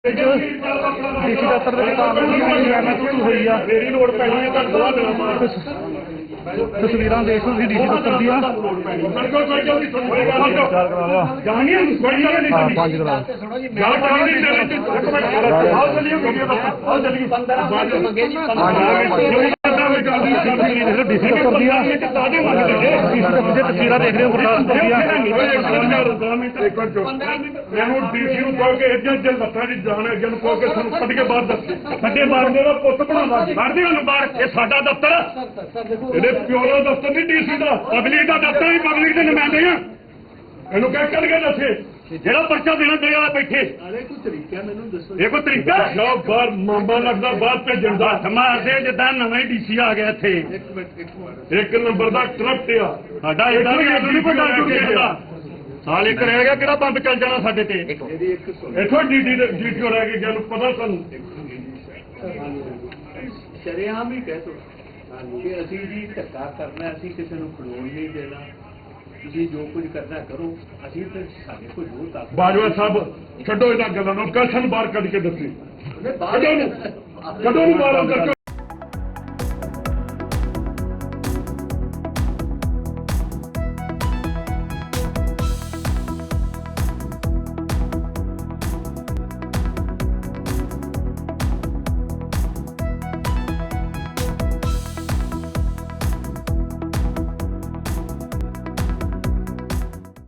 DC ਦਫ਼ਤਰ ਦੇ ਕਾਂਗਰਸ ਹੋਈ ਆ। ਮੇਰੀ ਲੋੜ ਪੈਣੀ ਹੈ ਤਾਂ ਦੋ ਦਿਨਾਂ ਬਾਅਦ ਤਸਵੀਰਾਂ ਦੇਖ ਲਓ ਤੁਸੀਂ ਡੀਸੀ ਦਫ਼ਤਰ ਦੀਆਂ। ਪੰਜ ਡੀਸੀ ਦਫ਼ਤਰ ਦੀਆਂ ਤਸਵੀਰਾਂ ਦੇਖ ਰਹੇ ਹੋ ਮੈਨੂੰ ਡੀਸੀ ਨੂੰ ਕਹੋ ਕਿ ਇੱਜਾ ਲੱਤਾਂ ਦੀ ਜਾਣ ਅੱਗੇ ਨੂੰ ਕਹੋ ਕਿ ਸਾਨੂੰ ਕੱਢ ਕੇ ਬਾਹਰ ਦੱਸੋ। ਸਾਡੇ ਬਾਰਦੇ ਦਾ ਪੁੱਤ ਬਣਾਵਾ ਮਾਰਦੇ ਉਹਨੂੰ ਬਾਹਰ। ਇਹ ਸਾਡਾ ਦਫ਼ਤਰ ਇਹਦੇ ਪਿਓ ਦਾ ਦਫ਼ਤਰ ਨਹੀਂ ਡੀਸੀ ਦਾ, ਪਬਲਿਕ ਦਾ ਦਫ਼ਤਰ ਵੀ ਪਬਲਿਕ ਦੇ ਨੁਮਾਇੰਦੇ ਆ। ਇਹਨੂੰ ਕਹਿ ਕੱਢ ਕੇ ਦੱਸੇ ਜਿਹੜਾ ਪਰਚਾ ਦੇਣਾ ਦੇ ਆ ਬੈਠੇ। ਕੋਈ ਤਰੀਕਾ ਮੈਨੂੰ ਦੱਸੋ। ਇਹ ਕੋਈ ਤਰੀਕਾ ਲਓ ਬਾਹਰ ਮਾਮਾ ਲੱਗਦਾ ਬਾਹਰ ਭੇਜਣ ਦਾ ਮਾਰਦੇ ਜਿੱਦਾਂ ਨਵੇਂ ਡੀਸੀ ਆ ਗਿਆ ਇੱਥੇ। ਇੱਕ ਨੰਬਰ ਦਾ ਕਰਪਟ ਆ ਸਾਡਾ। ਇਹਦਾ ਨਹੀਂ ਕੋਈ ਡਰ ਸਾਲ ਇੱਕ ਰਹਿ ਗਿਆ ਕਿਹੜਾ ਬੰਬ ਚੱਲ ਜਾਣਾ ਸਾਡੇ ਤੇ। ਇੱਥੋਂ ਡੀਟੀਓ ਰਹਿ ਗਈ ਜਿਹਨੂੰ ਪਤਾ ਤੁਹਾਨੂੰ ਸ਼ਰੇਆਮ ਹੀ ਕਹਿ ਦੋ ਕਿ ਅਸੀਂ ਜੀ ਧੱਕਾ ਕਰਨਾ, ਅਸੀਂ ਕਿਸੇ ਨੂੰ ਖਲੋਣ ਨਹੀਂ ਦੇਣਾ, ਤੁਸੀਂ ਜੋ ਕੁਝ ਕਰਨਾ ਕਰੋ, ਅਸੀਂ ਤੇ ਸਾਡੇ ਕੋਲ ਜ਼ੋਰ ਤੱਕ। ਬਾਜਵਾ ਸਾਹਿਬ ਛੱਡੋ ਇਹਨਾਂ ਗੱਲਾਂ ਨੂੰ, ਕੱਲ੍ਹ ਸਾਨੂੰ ਬਾਹਰ ਕੱਢ ਕੇ ਦੱਸੀ ਕਦੋਂ ਨੂੰ ਬਾਹਰ ਅੰਦਰ